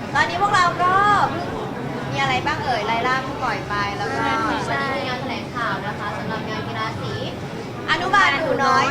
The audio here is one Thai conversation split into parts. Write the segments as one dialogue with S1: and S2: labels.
S1: ตอนนี้พวกเราก็มีอะไรบ้างเอ่ยไลล่าเพิ่งปล่อยไปแล้วก็วันนี้มีงานแถลงข่าวนะคะสำหรับงานกีฬาสีอนุบาลหนูน้อย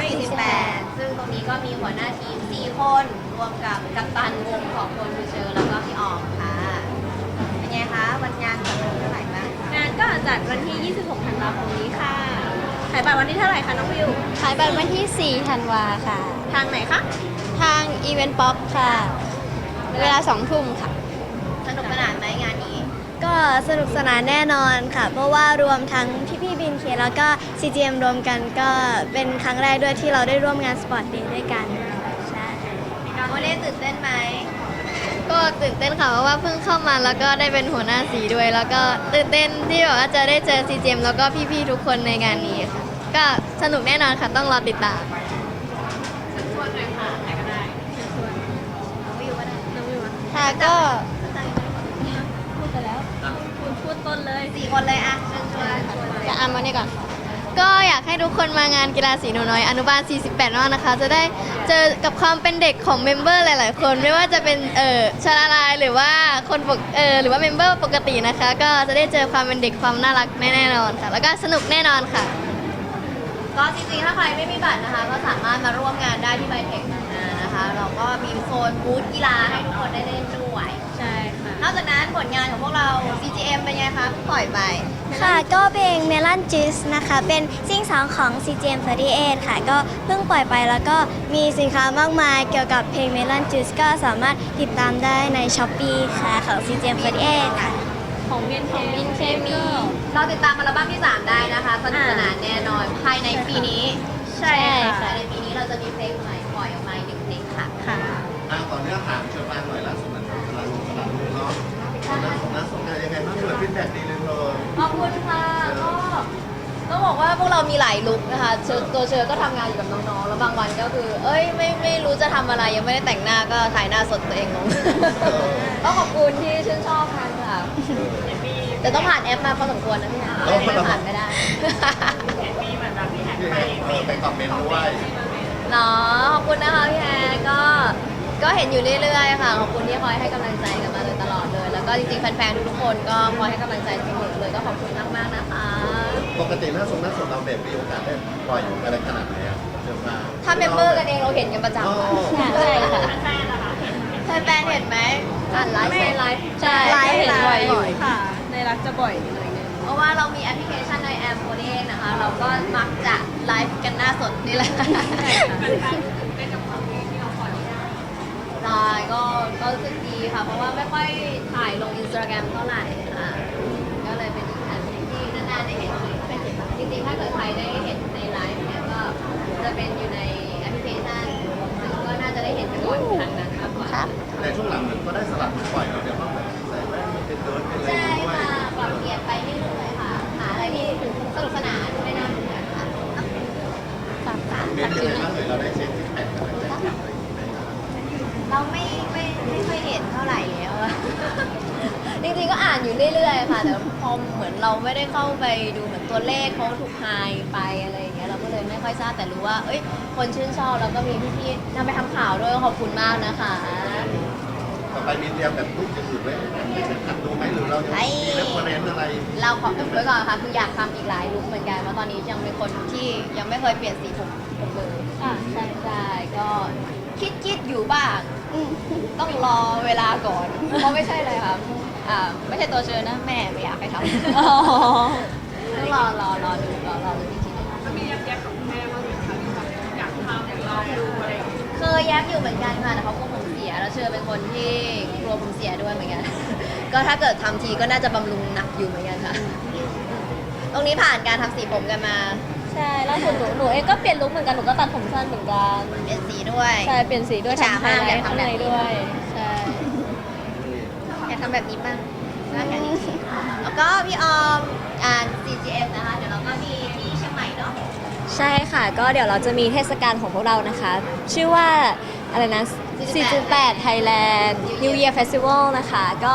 S1: 48ซึ่งตรงนี้ก็มีหัวหน้าทีม4คนรวมกับกัปตันวงของคนดูเชอร์แล้วก็พี่ออมค่ะเป็นไงคะวันงานจัดวันที่เท่าไหร่บ้าง
S2: งานก็จัดวันที่ 26 ธันวาคมนี้ค่ะขายบัตรวันที่เท่าไหร่คะน้องวิว
S3: ขายบัตรวันที่ 4 ธันวาค่ะ
S2: ทางไหนคะ
S3: ทางอีเวนต์ป๊อปค่ะ เวลา 2 ทุ่มค่ะ
S1: สนุกสนานไหมงานนี้
S3: ก็สนุกสนานแน่นอนค่ะ เพราะว่ารวมทั้งพี่บินเคแล้วก็ CGM รวมกันก็เป็นครั้งแรกด้วยที่เราได้ร่วมงานสปอร์ตเดย์ด้วยกันใช่
S1: โมเล่ตื่นเต้นไหม
S3: ก็ตื่นเต้นค่ะเพราะว่าเพิ่งเข้ามาแล้วก็ได้เป็นหัวหน้าสีด้วย แล้วก็ตื่นเต้นที่แบบว่าจะได้เจอ CGM แล้วก็พี่ๆทุกคนในงานนี้ค่ะ ก็สนุกแน่นอนค่ะต้องรอติดตาม
S1: ชวนเลยค่ะใครก็ได้น้องวิวก็ได้
S2: น้องวิวอะ
S3: ค่ะก็
S2: พูดไปแล้วคุณพูดต้นเลย
S1: 4 คนเลยอะเชิญชวนเลย
S3: จะอ่านมานี่ก่อน ก็อยากให้ทุกคนมางานกีฬาสีหนูน้อยอนุบาล 48 มากนะคะ จะได้เจอกับความเป็นเด็กของเมมเบอร์หลาย ๆ คน ไม่ว่าจะเป็นชาลาลายหรือว่าคนปกหรือว่าเมมเบอร์ปกตินะคะ ก็จะได้เจอความเป็นเด็กความน่ารักแน่นอนค่ะ แล้วก็สนุกแน่นอนค่ะ
S1: ก็จริงๆถ้าใครไม่มีบัตรนะคะ ก็สามารถมาร่วมงานได้ที่ไบเทคนะคะ เราก็มีโซนบูธกีฬาให้ทุกคนได้เล่นด้วย
S2: ใช่ค่ะ
S1: นอกจากนั้นผลงานของพวกเรา CGM เป็นไงคะเพิ่งปล่อยไป
S3: ค่ะก็เพลง Melon Juice นะคะ เป็นซิงสองของ CGM48 ค่ะ ก็เพิ่งปล่อยไปแล้วก็มีสินค้ามากมายเกี่ยวกับเพลง Melon Juice ก็สามารถติดตามได้ใน Shopee ค่ะของ CGM48 ค่ะ
S2: ของเบียนเค
S3: บินเคมี
S1: เราติดตามอัลบั้มที่ 3 ได้นะคะสนุกสนานแน่นอนภายในปีนี้
S3: ใช่ค่ะ
S1: ภายในปีนี้เราจะมีเพลงใหม่ปล่อยออกมาอีก1เพลงค่ะ
S2: ค่ะ
S4: ต่อเนื่องถามเชิญมาหน่อยล่าสุดมันกำลังสนามลูกเนาะน่าสนใจยังไงบ้างเปิดฟีดแบ็กดีเลยเธอ
S1: ขอบคุณค่ะก็ต้องบอกว่าพวกเรามีหลายลุคนะคะตัวเชอก็ทำงานอยู่กับน้องๆ แล้วบางวันก็คือ เอ้ยไม่รู้จะทำอะไรยังไม่ได้แต่งหน้าก็ถ่ายหน้าสดตัวเองลง ก็ขอบคุณที่ชื่นชอบกันค่ะแต่ต้องผ่านแอปมาพอสมควรนะพี่นะไม่ผ่านไม่ได้
S4: ไปคอมเมนต์ด้วย
S1: เนาะขอบคุณนะคะพี่แอร์ก็เห็นอยู่เรื่อยๆค่ะขอบคุณที่คอยให้กำลังใจกันมาโดยตลอดเลย แล้วก็จริงๆแฟนๆทุกๆคนก็คอยให้กำลังใจเสมอเลยก็ขอบคุณมากๆนะคะ
S4: ปกติหน้าสดเราแบบมีโอกาสได้ปล่อยอยู่อะไรขนาดไหนอะเชิญมา
S1: ถ้าเมมเบอร์กันเองเราเห็นกันประจำ
S4: อ๋อ
S1: ค่ะ
S3: ใช่ค่ะ
S1: แฟนๆเห็นไหมอ่านไลฟ์ไลฟ์
S3: ใช่
S2: ไลฟ์
S3: เห็นบ่อยอยู่
S2: ค่ะ ในรักจะบ่อยหน่อยนึง
S1: เพราะว่าเรามีแอปพลิเคชันในแอปโฟนเองนะคะ เราก็มักจะไลฟ์กันหน้าสดนี่แหละได้ก็รู้สึกดีค่ะ เพราะว่าไม่ค่อยถ่ายลงอินสตาแกรมเท่าไหร่ค่ะก็เลยเป็นอีกอันหนึ่งที่นานๆได้เห็นจริงๆถ้าเกิดใครได้เห็นในไลฟ์เนี่ยก็จะเป็นอยู่ในแอปพลิเคชันซึ่งก็น่าจะได้เห็นกันบ่อยครั้งนั้นมากกว่า
S4: แต่ช่วงหลังมันก็ได้สลับปล่อยเดี๋ยวว่าแบบใส่แว่นเป็นเดิร์ดเป็นอะไร
S1: ใช่
S4: ด้วย
S1: ค่ะปรับเปลี่ยนไปเรื่อยๆค่ะ หาอะไรที่สนุกสนานไม่น่าเบื่อค่ะ
S4: เมนต์ยังไงบ้างเลยเราได้เช็คแพ็คอะไรแบบนี้
S1: เราไม่ค่อยเห็นเท่าไหร่แล้วอะ จริงๆก็อ่านอยู่เรื่อยๆค่ะ แต่พอเหมือนเราไม่ได้เข้าไปดูเหมือนตัวเลขเขาถูกไฮไปอะไรอย่างเงี้ยเราก็เลยไม่ค่อยทราบแต่รู้ว่า เอ้ยคนชื่นชอบแล้วก็มีพี่ๆนำไปทำข่าวด้วยขอบคุณมากนะคะ
S4: ต่อไปมีเตรียมแบบรูปอย่างอื่นไว้หัดดูไหมหรือเราจะมีเรฟเฟอเรนซ์อะไร
S1: เราขออุบไว้ก่อนค่ะคืออยากทำอีกหลายลุคเหมือนกันเพราะตอนนี้ยังเป็นคนที่ยังไม่เคยเปลี่ยนสีผมเลย
S2: อ่ะ
S1: ใช่ใช่ก็คิดอยู่บ้างต้องรอเวลาก่อน เพราะไม่ใช่เลยค่ะไม่ใช่ตัวเชิญนะแม่ไม่อยากให้ทำ
S2: อ๋อ
S1: ต้องรอดูอีกทีนึง
S2: มีแยกกับแม่ว่าอยากทำอยากลองดูอะไรอย่างเงี้ย
S1: เคยแย้มอยู่เหมือนกันค่ะแต่เขากลัวผมเสียแล้วเชื่อเป็นคนที่กลัวผมเสียด้วยเหมือนกัน ก็ถ้าเกิดทำทีก็น่าจะบำรุงหนักอยู่เหมือนกันค่ะ ตรงนี้ผ่านการทำสีผมกันมา
S2: ใช่ล่าสุดหนูเองก็เปลี่ยนลุคเหมือนกัน หนูก็ตัดผมสั้นเหมือนกัน
S1: เปลี่ยนสีด้วย
S2: ใช่ เปลี่ยนสีด้วย
S1: ฉา
S2: ทำไฮ
S1: มาก
S2: ไล
S1: อยาก
S2: ท์
S1: ทำ
S2: ข้าง
S1: แบบ
S2: ใน
S1: นี้
S2: ด้วย ใช่
S1: อยากทำแบบนี้บ้างน่ากันดีแล้วก็พี่ออมCGM นะคะ เดี๋ยวเราก็มีที่เชียงใหม่เนาะ
S3: ใช่ค่ะ ก็เดี๋ยวเราจะมีเทศกาลของพวกเรานะคะ ชื่อว่าอะไรนะ 4.8 Thailand New Year Festival นะคะ ก็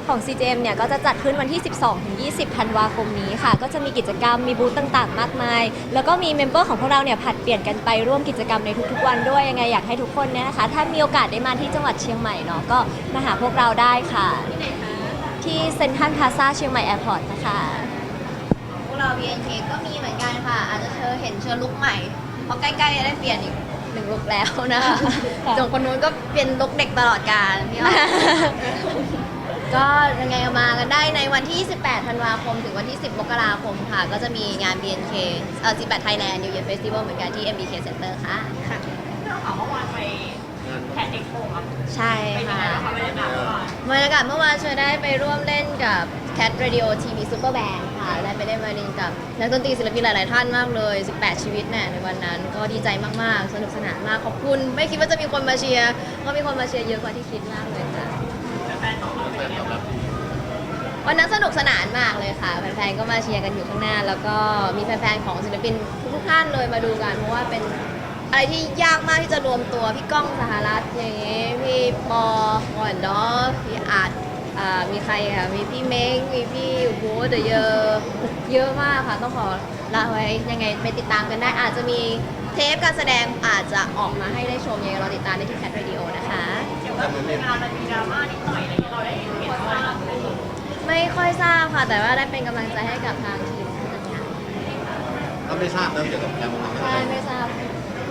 S2: ของ CGM เนี่ยก็จะจัดขึ้นวันที่ 12-20 ธันวาคมนี้ค่ะ ก็จะมีกิจกรรมมีบูธต่างๆ มากมาย แล้วก็มีเมมเบอร์ของพวกเราเนี่ยผลัดเปลี่ยนกันไปร่วมกิจกรรมในทุกๆวันด้วยยังไงอยากให้ทุกคนเนี่ยนะคะถ้ามีโอกาสได้มาที่จังหวัดเชียงใหม่เนาะก็มาหาพวกเราได้ค่ะ
S3: ที่ไหนคะ
S2: ที่เซ็นทรัลพลาซ่าเชียงใหม่แอร์พอร์ตนะคะ
S1: พวกเรา BNK ก็มีเหมือนกันค่ะ อาจจะเห็นเชิญลุคใหม่ เพราะใกล้ๆจะได้เปลี่ยนอีก1 ลุคแล้วนะคะ
S2: ค่ะ
S1: ส่วนคนนู้นก็เป็นลุคเด็กตลอดกาลพี่อ้อม ก็ยังไงก็มากันได้ในวันที่ 28 ธันวาคมถึงวันที่ 10 มกราคมค่ะ ก็จะมีงาน BNK 18 Thailand New Year Festival เหมือนกันที่ MBK Center ค่ะ ใช่ค่ะบรรยากาศเมื่อวานเชยได้ไปร่วมเล่นกับ Cat Radio TV Super Band ค่ะได้ไปเล่นไวโอลินกับนักดนตรีศิลปินหลาย ๆ ท่านมากเลย 18 ชีวิตเนี่ยในวันนั้นก็ดีใจมาก ๆ สนุกสนานมาก ขอบคุณ ไม่คิดว่าจะมีคนมาเชียร์ก็มีคนมาเชียร์เยอะกว่าที่คิดมากเลยค่ะ
S4: แฟนตอบรับดี
S1: วันนั้นสนุกสนานมากเลยค่ะ แฟนๆ ก็มาเชียร์กันอยู่ข้างหน้า แล้วก็มีแฟนๆ ของศิลปินทุกๆท่านเลยมาดูกัน เพราะว่าเป็นอะไรที่ยากมากที่จะรวมตัว พี่ก้องสหรัฐอย่างงี้พี่ปอหอนดอพี่อาร์ตมีใครค่ะ มีพี่เม้งมีพี่โว้เดเยอะมากค่ะ ต้องขอละไว้ยังไงไปติดตามกันได้ อาจจะมีเทปการแสดงอาจจะออกมาให้ได้ชมยังไงเราติดตามได้ที่แคทเรดิโอนะคะ
S4: แต่เหมือนมี
S1: ไม่ค่อยทราบค่ะ แต่ว่าได้เป็นกำลังใจให้กับทางทีมทำงาน
S4: ก็ไม่ทราบเรื่องเกี่ยวกับการเมือง
S1: ใช่ไม่ทราบ